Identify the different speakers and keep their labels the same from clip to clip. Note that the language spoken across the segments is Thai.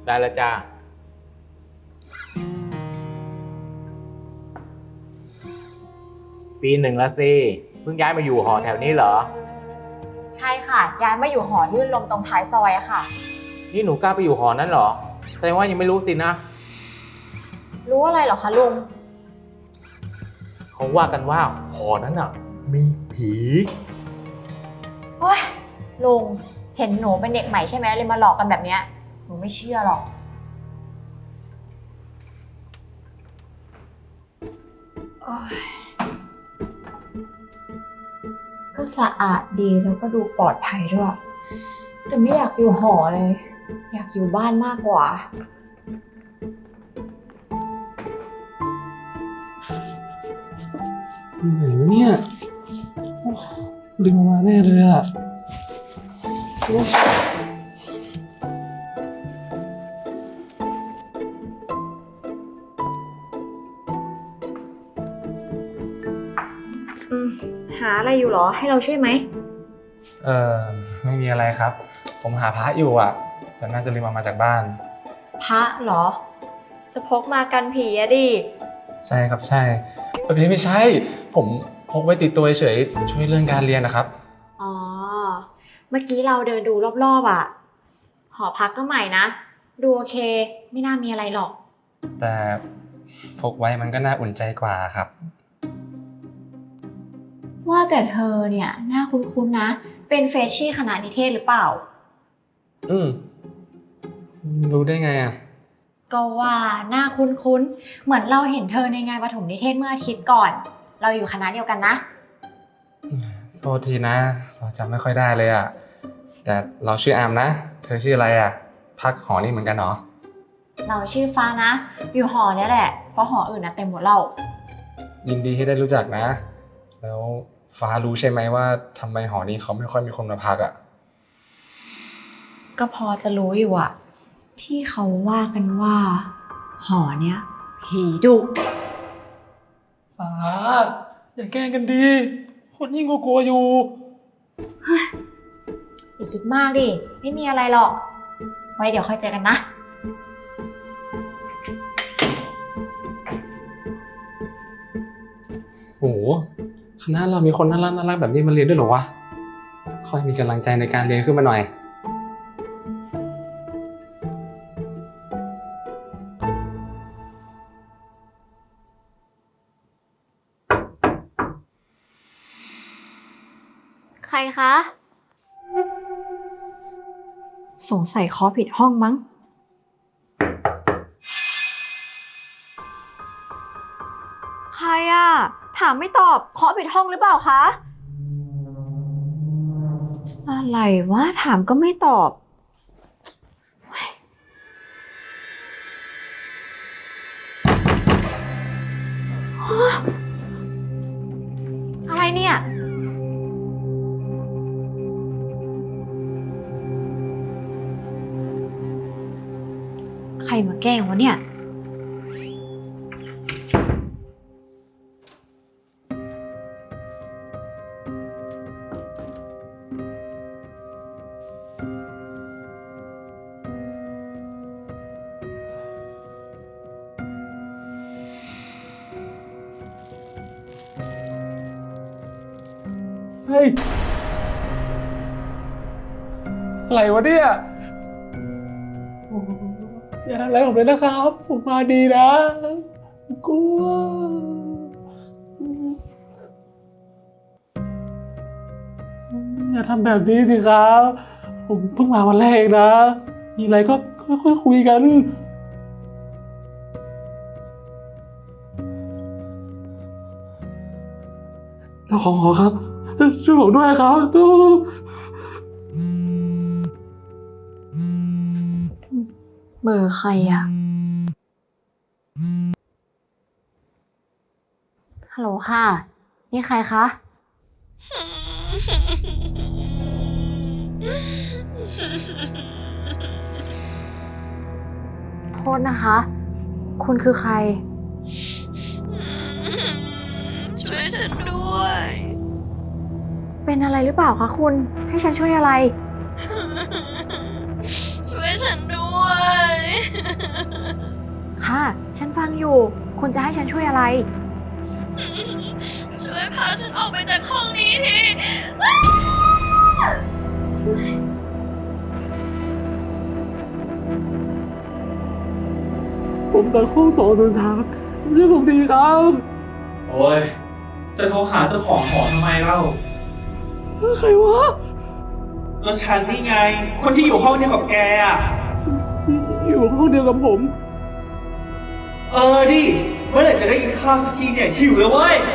Speaker 1: ได้แล้วจ้าปีหนึ่งแล้วสิเพิ่งย้ายมาอยู่หอแถวนี้เหรอ
Speaker 2: ใช่ค่ะย้ายมาอยู่หอลื่นลมตรงท้ายซอยอะค่ะ
Speaker 1: นี่หนูกล้าไปอยู่หอนั้นเหรอแสดงว่ายังไม่รู้สินะ
Speaker 2: รู้อะไรเหรอคะลุง
Speaker 1: เขาว่ากันว่าหอนั้นอ่ะมีผี
Speaker 2: โอ้ยลุงเห็นหนูเป็นเด็กใหม่ใช่ไหมเลยมาหลอกกันแบบเนี้ยหนูไม่เชื่อหรอกโอ้ยก็สะอาดดีแล้วก็ดูปลอดภัยด้วยแต่ไม่อยากอยู่หอเลย อยากอยู่บ้านมากกว่า
Speaker 3: ไหนวะเนี่ยลืมมาแน่เลยอ่ะ
Speaker 2: หาอะไรอยู่หรอให้เราช่วยไหม
Speaker 3: เออไม่มีอะไรครับผมหาพระอยู่อ่ะแต่น่าจะลืมมาจากบ้าน
Speaker 2: พระเหรอจะพกมากันผีอะดิ
Speaker 3: ใช่ครับใช่ไม่ใช่ผมพกไว้ติดตัวเฉยช่วยเรื่องการเรียนนะครับ
Speaker 2: อ๋อเมื่อกี้เราเดินดูรอบๆอ่ะหอพักก็ใหม่นะดูโอเคไม่น่ามีอะไรหรอก
Speaker 3: แต่พกไว้มันก็น่าอุ่นใจกว่าครับ
Speaker 2: ว่าแต่เธอเนี่ยน่าคุ้นๆนะเป็นเฟรชชี่คณะนิเทศหรือเปล่า
Speaker 3: อืมรู้ได้ไงอ่ะ
Speaker 2: ก็ว่าหน้าคุ้นๆเหมือนเราเห็นเธอในงานประถมนิเทศเมื่ออาทิตย์ก่อนเราอยู่คณะเดียวกันนะ
Speaker 3: โทษทีนะเราจำไม่ค่อยได้เลยอ่ะแต่เราชื่ออามนะเธอชื่ออะไรอ่ะพักหอนี่เหมือนกันเหรอ
Speaker 2: เราชื่อฟ้านะอยู่หอเนี้ยแหละเพราะหออื่นนะเต็มหมดเรา
Speaker 3: ยินดีที่ได้รู้จักนะแล้วฟ้ารู้ใช่ไหมว่าทำไมหอนี้เขาไม่ค่อยมีคนมาพักอ่ะ
Speaker 2: ก็พอจะรู้อยู่อะที่เขาว่ากันว่าหอเนี้ยผีดุ
Speaker 3: ฟ้าอย่าแกล้งกันดีคนยิ่งกลัวอยู่
Speaker 2: อย่าคิดมากดิไม่มีอะไรหรอกไว้เดี๋ยวค่อยเจอกันนะ
Speaker 3: โอ้โหคณะเรามีคนน่ารักแบบนี้มาเรียนด้วยเหรอวะค่อยมีกำลังใจในการเรียนขึ้นมาหน่อย
Speaker 2: ใครคะสงสัยเคาะผิดห้องมั้งใครอะถามไม่ตอบเคาะผิดห้องหรือเปล่าคะอะไรวะถามก็ไม่ตอบอะไรเนี่ยใครมาแกล้งวะเนี่ย
Speaker 3: เฮ้ยอะไรวะเนี่ยอย่าทำอะไรผมเลยนะครับผมมาดีนะกลัวอย่าทำแบบนี้สิครับผมเพิ่งมาวันแรกเองนะมีอะไรก็ค่อยๆคุยกันเจ้าของหอครับช่วยผมด้วยครับตู้
Speaker 2: เบอร์ใครอะฮัลโหลค่ะนี่ใครคะโทษนะคะคุณคือใคร
Speaker 4: ช่วยฉันด้วย
Speaker 2: เป็นอะไรหรือเปล่าคะคุณให้ฉันช่วยอะไร
Speaker 4: ช่ช่วยฉันด้วย
Speaker 2: ค่ะ ฉันฟังอยู่ คุณจะให้ฉันช่วยอะไร
Speaker 4: ช่วยพาฉันออกไปจากห้องนี้ที
Speaker 3: ผมจากห้อง203ช่วยผมดีครับ
Speaker 5: โอ้ย จะโทรหาเจ้าของหอทำไมเล่า
Speaker 3: ใครวะ
Speaker 5: ก็ฉันนี่ไง คนที่อยู่ห้องเดียวกับแกอ่ะ
Speaker 3: อยู่ห้องเดียวกับผม
Speaker 5: ดิ เมื่อไหร่จะได้กินข้าวสักทีเนี่ย หิวแล้วเว้ย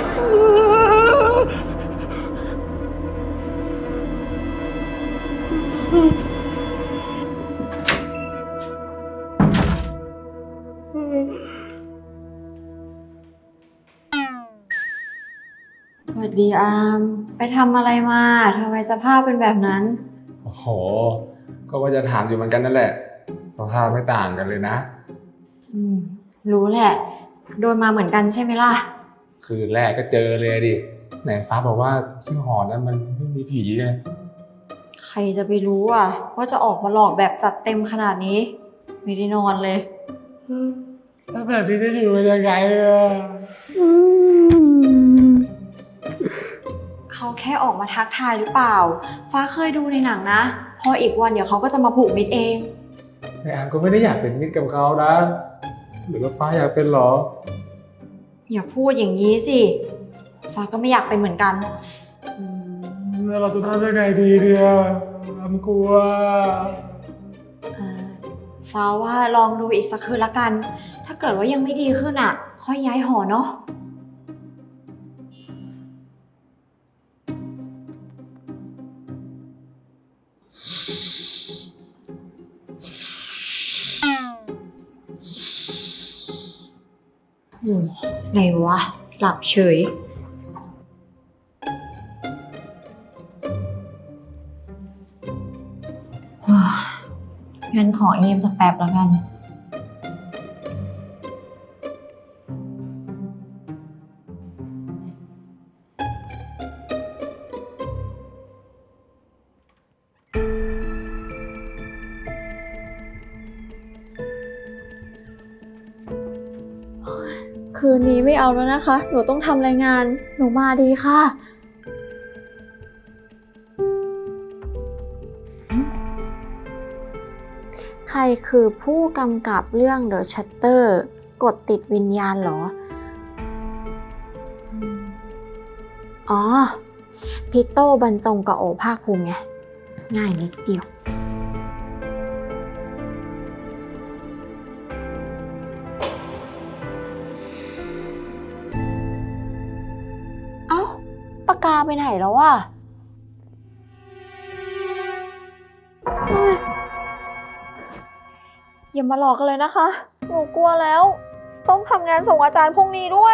Speaker 2: สวัสดีอาม ไปทำอะไรมาทำไมสภาพเป็นแบบนั้น
Speaker 3: โอ้โห ก็ว่าจะถามอยู่เหมือนกันนั่นแหละ สภาพไม่ต่างกันเลยนะ
Speaker 2: รู้แหละ โดนมาเหมือนกันใช่ไหมล่ะ
Speaker 3: คืนแรกก็เจอเลยดิ ไหนฟ้าบอกว่าที่หอนั้นมันไม่มีผีไง
Speaker 2: ใครจะไปรู้อ่ะว่าจะออกมาหลอกแบบจัดเต็มขนาดนี้ ไม่ได้นอนเลย
Speaker 3: แล้วแบบนี้จะอยู่กันยังไงอ่ะ
Speaker 2: เขาแค่ออกมาทักทายหรือเปล่า ฟ้าเคยดูในหนังนะ พออีกวันเดี๋ยวเขาก็จะมาผูกมิตรเอง
Speaker 3: แต่อามก็ไม่ได้อยากเป็นมิตรกับเขานะ หรือว่าฟ้าอยากเป็นหรอ
Speaker 2: อย่าพูดอย่างนี้สิ ฟ้าก็ไม่อยากเป็นเหมือนกัน
Speaker 3: แล้วเราจะทำยังไงดีเนี่ยอามกลัว
Speaker 2: ฟ้าว่าลองดูอีกสักคืนละกัน ถ้าเกิดว่ายังไม่ดีขึ้นอ่ะ ค่อยย้ายหอเนาะ ไหนวะ หลับเฉย งั้นขอเยี่ยมสักแป๊บแล้วกัน คืนนี้ไม่เอาแล้วนะคะ หนูต้องทำรายงาน หนูมาดีค่ะ ใครคือผู้กำกับเรื่อง The Shutter กดติดวิญญาณเหรอ อ๋อ พิโต้บรรจงกับโอภาคภูมิไง ง่ายนิดเดียว เอ้า ปากกาไปไหนแล้วอะเฮ้ยอย่ามาหลอกกันเลยนะคะ หนูกลัวแล้ว ต้องทำงานส่งอาจารย์พรุ่งนี้ด้วย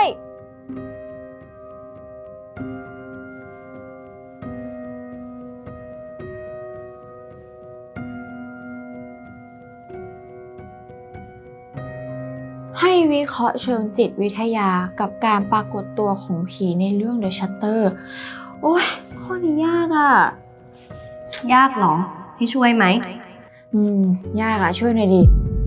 Speaker 2: ให้วิเคราะห์เชิงจิตวิทยากับการปรากฏตัวของผีในเรื่อง The Shutter โอ้ยข้อนี้ยากอ่ะ
Speaker 6: ยากเหรอ ให้ช่วยไหม
Speaker 2: ยากอ่ะ ช่วยหน่อยดิ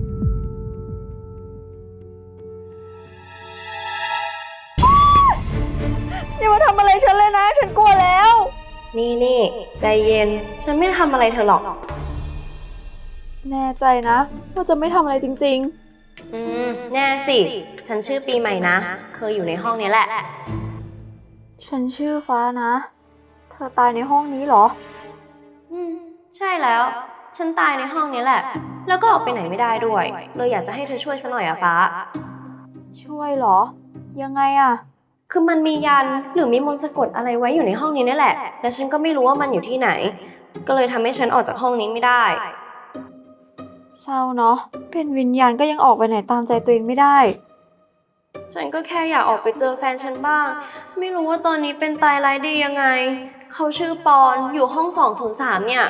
Speaker 2: อย่ามาทำอะไรฉันเลยนะ ฉันกลัวแล้ว
Speaker 6: นี่ใจเย็น ฉันไม่ทำอะไรเธอหรอก
Speaker 2: แน่ใจนะว่าจะไม่ทำอะไรจริง
Speaker 6: แน่สิ ฉันชื่อปีใหม่นะ เคยอยู่ในห้องนี้แหละ
Speaker 2: ๆ ฉันชื่อฟ้านะ เธอตายในห้องนี้เหรอ
Speaker 6: ใช่แล้ว ฉันตายในห้องนี้แหละ แล้วก็ออกไปไหนไม่ได้ด้วย เลยอยากจะให้เธอช่วยซะหน่อยอะฟ้า
Speaker 2: ช่วยเหรอ ยังไงอะ
Speaker 6: คือมันมียันหรือมีมนต์สะกดอะไรไว้อยู่ในห้องนี้นี่แหละ แต่ฉันก็ไม่รู้ว่ามันอยู่ที่ไหน ก็เลยทำให้ฉันออกจากห้องนี้ไม่ได้
Speaker 2: เศร้าเนาะ เป็นวิญญาณก็ยังออกไปไหนตามใจตัวเองไม่ได้
Speaker 6: ฉันก็แค่อยากออกไปเจอแฟนฉันบ้าง ไม่รู้ว่าตอนนี้เป็นตายร้ายดียังไง เขาชื่อปอนอยู่ห้อง203เนี่ย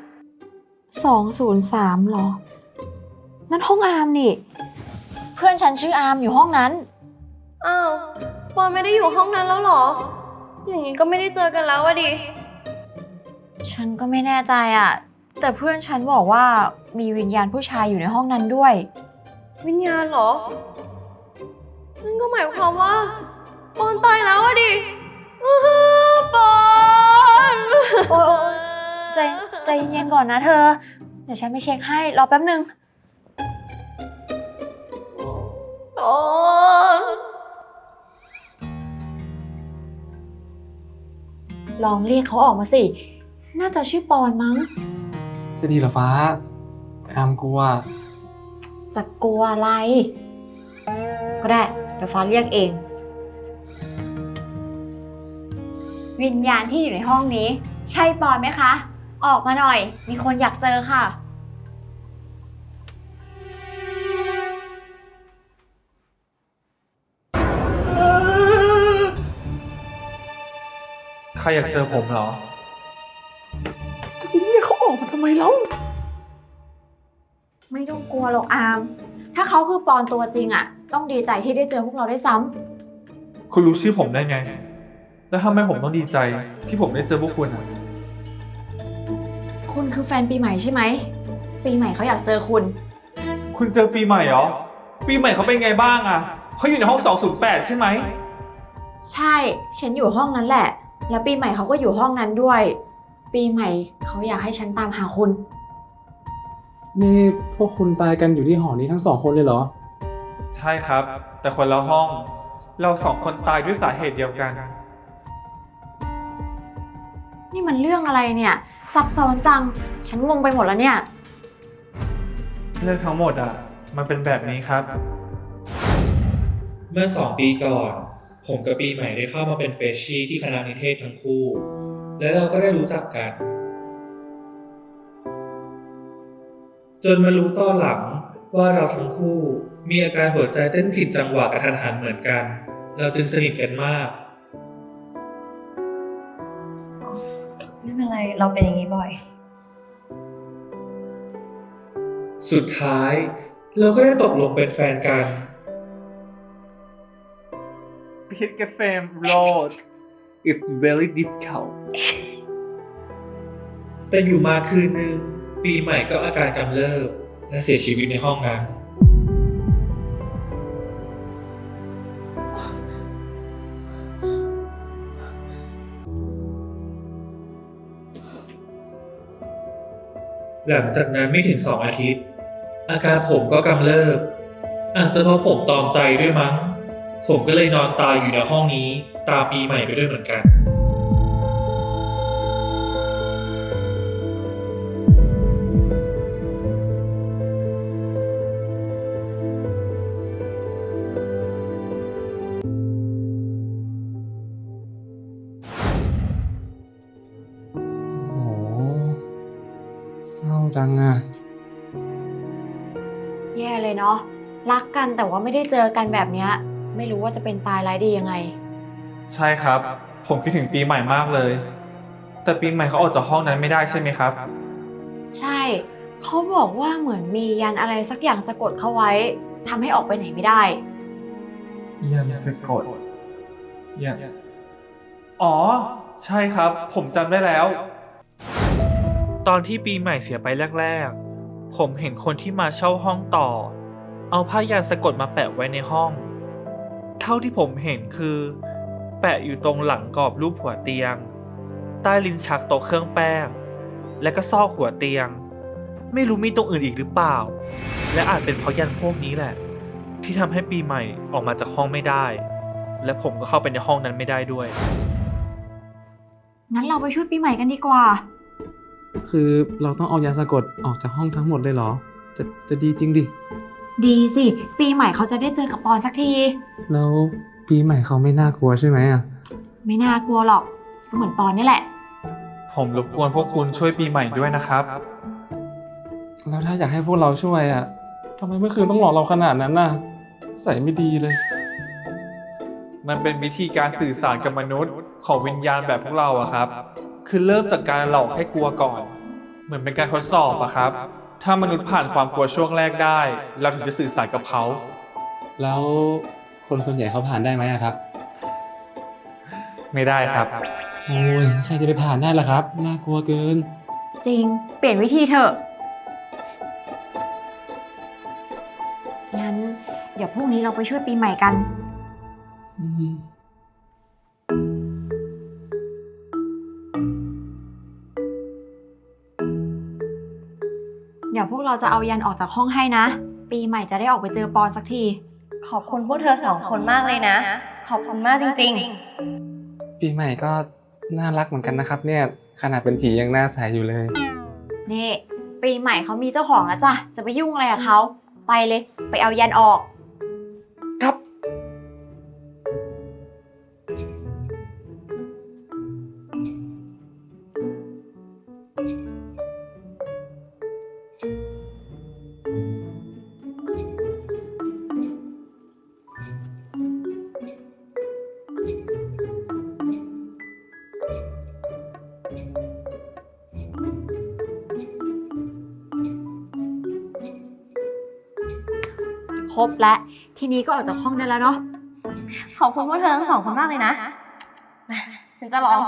Speaker 2: 203เหรอ นั่นห้องอาร์มนี่ เพื่อนฉันชื่ออาร์มอยู่ห้องนั้น
Speaker 6: อ้าวปอนไม่ได้อยู่ห้องนั้นแล้วเหรอ อย่างนี้ก็ไม่ได้เจอกันแล้วอะดิ
Speaker 2: ฉันก็ไม่แน่ใจอะแต่เพื่อนฉันบอกว่ามีวิญญาณผู้ชายอยู่ในห้องนั้นด้วย
Speaker 6: วิญญาณเหรอ นั่นก็หมายความว่าปอนตายแล้วอะดิอื้อหือปอน
Speaker 2: โอ๊ยใจเย็นๆก่อนนะเธอ เดี๋ยวฉันไปเช็คให้ รอแป๊บนึง
Speaker 6: ปอน
Speaker 2: ลองเรียกเขาออกมาสิ น่าจะชื่อปอนมั้ง
Speaker 3: จะดีเหรอฟ้าอามกลัว
Speaker 2: จะกลัวอะไร ก็ได้ เดี๋ยวฟ้าเรียกเอง วิญญาณที่อยู่ในห้องนี้ ใช่ปอนไหมคะ ออกมาหน่อย มีคนอยากเจอค่ะ
Speaker 5: ใครอยากเจอผมเหรอ
Speaker 2: ไม่ต้องกลัวหรอกอาม ถ้าเขาคือปอนตัวจริงอะต้องดีใจที่ได้เจอพวกเราได้วยซ้ำ
Speaker 5: คุณรู้ชื่อผมได้ไง แล้วทำไมผมต้องดีใจที่ผมได้เจอพวกคุณอ่ะ
Speaker 2: คุณคือแฟนปีใหม่ใช่ไหม ปีใหม่เขาอยากเจอคุณ
Speaker 5: คุณเจอปีใหม่เหรอ ปีใหม่เขาเป็นไงบ้างอ่ะ เขาอยู่ในห้อง 208 ใช่ไหม
Speaker 2: ใช่ ฉันอยู่ห้องนั้นแหละ แล้วปีใหม่เขาก็อยู่ห้องนั้นด้วย ปีใหม่เขาอยากให้ฉันตามหาคุณ
Speaker 3: นี่พวกคุณตายกันอยู่ที่หอนี้ทั้ง2 คนเลยเหรอ
Speaker 5: ใช่ครับ แต่คนละห้อง เรา2 คนตายด้วยสาเหตุเดียวกัน
Speaker 2: นี่มันเรื่องอะไรเนี่ย ซับซ้อนจัง ฉันงงไปหมดแล้วเนี่ย
Speaker 5: เรื่องทั้งหมดอ่ะ มันเป็นแบบนี้ครับ
Speaker 7: เมื่อ2 ปีก่อน ผมกับปีใหม่ได้เข้ามาเป็นเฟรชชี่ที่คณะนิเทศทั้งคู่ และเราก็ได้รู้จักกัน จนมารู้ตอนหลังว่าเราทั้งคู่มีอาการหัวใจเต้นผิดจังหวะกระทันหันเหมือนกัน เราจึงสนิทกันมาก
Speaker 6: ไม่เป็นไร เราเป็นอย่างนี้บ่อย
Speaker 7: สุดท้ายเราก็ได้ตกลงเป็นแฟนกัน
Speaker 5: Pick the same road is very difficult
Speaker 7: แต่อยู่มาคืนนึง ปีใหม่ก็อาการกำเริบและเสียชีวิตในห้องนั้น หลังจากนั้นไม่ถึง2 อาทิตย์ อาการผมก็กำเริบ อาจจะเพราะผมตอมใจด้วยมั้ง ผมก็เลยนอนตายอยู่ในห้องนี้ตามปีใหม่ไปด้วยเหมือนกัน
Speaker 3: โอ้โหเศร้าจังอะ
Speaker 2: แย่เลยเนาะ รักกันแต่ว่าไม่ได้เจอกันแบบเนี้ย ไม่รู้ว่าจะเป็นตายร้ายดียังไง
Speaker 5: ใช่ครับ ผมคิดถึงปีใหม่มากเลย แต่ปีใหม่เขาออกจากห้องนั้นไม่ได้ใช่ไหมครับ
Speaker 2: ใช่ เขาบอกว่าเหมือนมียันอะไรสักอย่างสะกดเขาไว้ทำให้ออกไปไหนไม่ได้
Speaker 5: ยันสะกดยันอ๋อ ใช่ครับ ผมจำได้แล้ว ตอนที่ปีใหม่เสียไปแรกๆ ผมเห็นคนที่มาเช่าห้องต่อ เอาผ้ายันสะกดมาแปะไว้ในห้อง เท่าที่ผมเห็นคือ แปะอยู่ตรงหลังกรอบรูปหัวเตียง ใต้ลิ้นชักโต๊ะเครื่องแป้ง และก็ซอกหัวเตียง ไม่รู้มีตรงอื่นอีกหรือเปล่า และอาจเป็นเพราะยันพวกนี้แหละ ที่ทำให้ปีใหม่ออกมาจากห้องไม่ได้ และผมก็เข้าไปในห้องนั้นไม่ได้ด้วย
Speaker 2: งั้นเราไปช่วยปีใหม่กันดีกว่า
Speaker 3: คือเราต้องเอายาสะกดออกจากห้องทั้งหมดเลยเหรอ จะดีจริงดิ
Speaker 2: ดีสิ ปีใหม่เขาจะได้เจอกับปอนสักที
Speaker 3: แล้วปีใหม่เขาไม่น่ากลัวใช่ไหมอะ
Speaker 2: ไม่น่ากลัวหรอก ก็เหมือนปอนนี่แหละ
Speaker 5: ผมรบกวนพวกคุณช่วยปีใหม่ด้วยนะครับ
Speaker 3: แล้วถ้าอยากให้พวกเราช่วยอะทำไมเมื่อคืนต้องหลอกเราขนาดนั้นน่ะใส่ไม่ดีเลย
Speaker 5: มันเป็นวิธีการสื่อสารกับมนุษย์ของวิญญาณแบบพวกเราอะครับ คือเริ่มจากการหลอกให้กลัวก่อน เหมือนเป็นการทดสอบอะครับ ถ้ามนุษย์ผ่านความกลัวช่วงแรกได้ เราถึงจะสื่อสารกับเขา
Speaker 3: แล้วคนส่วนใหญ่เขาผ่านได้ไหมอะครับ
Speaker 5: ไม่ได้ครับ
Speaker 3: โอ้ยใครจะไปผ่านได้ล่ะครับ น่ากลัวเกิน
Speaker 2: จริง เปลี่ยนวิธีเถอะ งั้น เดี๋ยวพรุ่งนี้เราไปช่วยปีใหม่กัน เดี๋ยวพวกเราจะเอายันออกจากห้องให้นะ ปีใหม่จะได้ออกไปเจอปอนสักที
Speaker 6: ขอบคุณพวกเธอสองคนมากเลยนะ ขอบคุณมากจริง
Speaker 3: ปีใหม่ก็น่ารักเหมือนกันนะครับเนี่ย ขนาดเป็นผียังหน้าใสอยู่เลย
Speaker 2: นี่ ปีใหม่เขามีเจ้าของแล้วจ้ะ จะไปยุ่งอะไรกับเขา ไปเลย ไปเอายันออก
Speaker 3: ครับ
Speaker 2: ครบแล้ว ทีนี้ก็ออกจากห้องได้แล้วเนาะ
Speaker 6: ๆ ขอบคุณพวกเธอทั้งสองคนมากเลยนะ ฉันจะลอง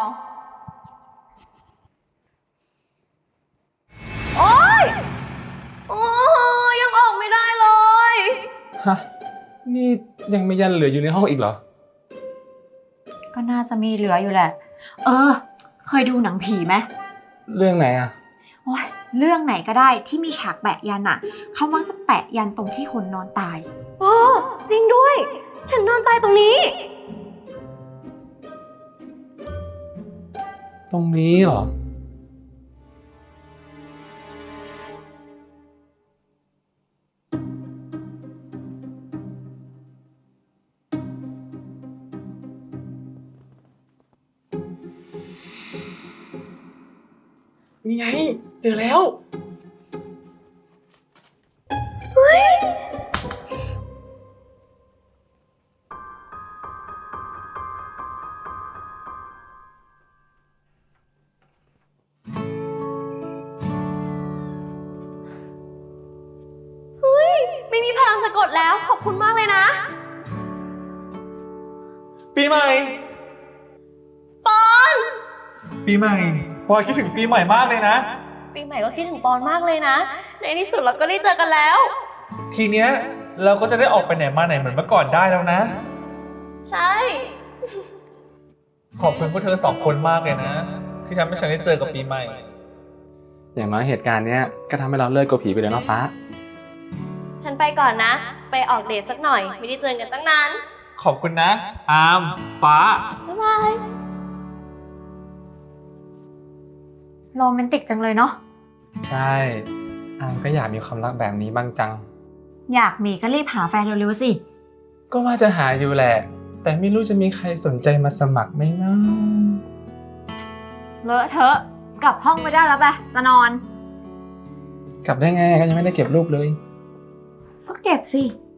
Speaker 6: โอ๊ย โอ้ยังออกไม่ได้เลย
Speaker 3: ฮะ นี่ยังมียันเหลืออยู่ในห้องอีกเหรอ
Speaker 2: ก็น่าจะมีเหลืออยู่แหละ เคยดูหนังผีไหม
Speaker 3: เรื่องไหนอ่ะ
Speaker 2: โอ้ยเรื่องไหนก็ได้ที่มีฉากแปะยันอะเขามักจะแปะยันตรงที่คนนอนตาย
Speaker 6: โอ้จริงด้วย ฉันนอนตายตรงนี้
Speaker 3: ตรงนี้เหรอ นี่ไง เจอแล้ว
Speaker 6: ไม่มีพลังสะกดแล้ว ขอบคุณมากเลยนะ
Speaker 5: ปีใหม่
Speaker 6: ปอน
Speaker 5: ปีใหม่ปอยคิดถึงปีใหม่มากเลยนะ
Speaker 6: ปีใหม่ก็คิดถึงปอนมากเลยนะ ในที่สุดเราก็ได้เจอกันแล้ว
Speaker 5: ทีเนี้ยเราก็จะได้ออกไปไหนมาไหนเหมือนเมื่อก่อนได้แล้วนะ
Speaker 6: ใช่
Speaker 5: ขอบคุณพวกเธอสองคนมากเลยนะ ที่ทำให้ฉันได้เจอกับปีใหม่
Speaker 3: อย่างน้อยเหตุการณ์เนี้ยก็ทำให้เราเลิกกลัวผีไปเลยเนาะฟ้า
Speaker 6: ฉันไปก่อนนะ จะไปออกเดทสักหน่อย ไม่ได้เจอกันตั้งนาน
Speaker 5: ขอบคุณนะ อาม ฟ้า
Speaker 6: บ๊ายบาย
Speaker 2: โรแมนติกจังเลยเนาะ
Speaker 3: ใช่ อามก็อยากมีความรักแบบนี้บ้างจัง
Speaker 2: อยากมีก็รีบหาแฟนเร็วๆสิ
Speaker 3: ก็ว่าจะหาอยู่แหละ แต่ไม่รู้จะมีใครสนใจมาสมัครไหมนะ
Speaker 2: เลอะเทอะ กลับห้องไปได้แล้วไปจะนอน
Speaker 3: กลับได้ไงก็ยังไม่ได้เก็บรูปเลย
Speaker 2: ก็เก็บสิ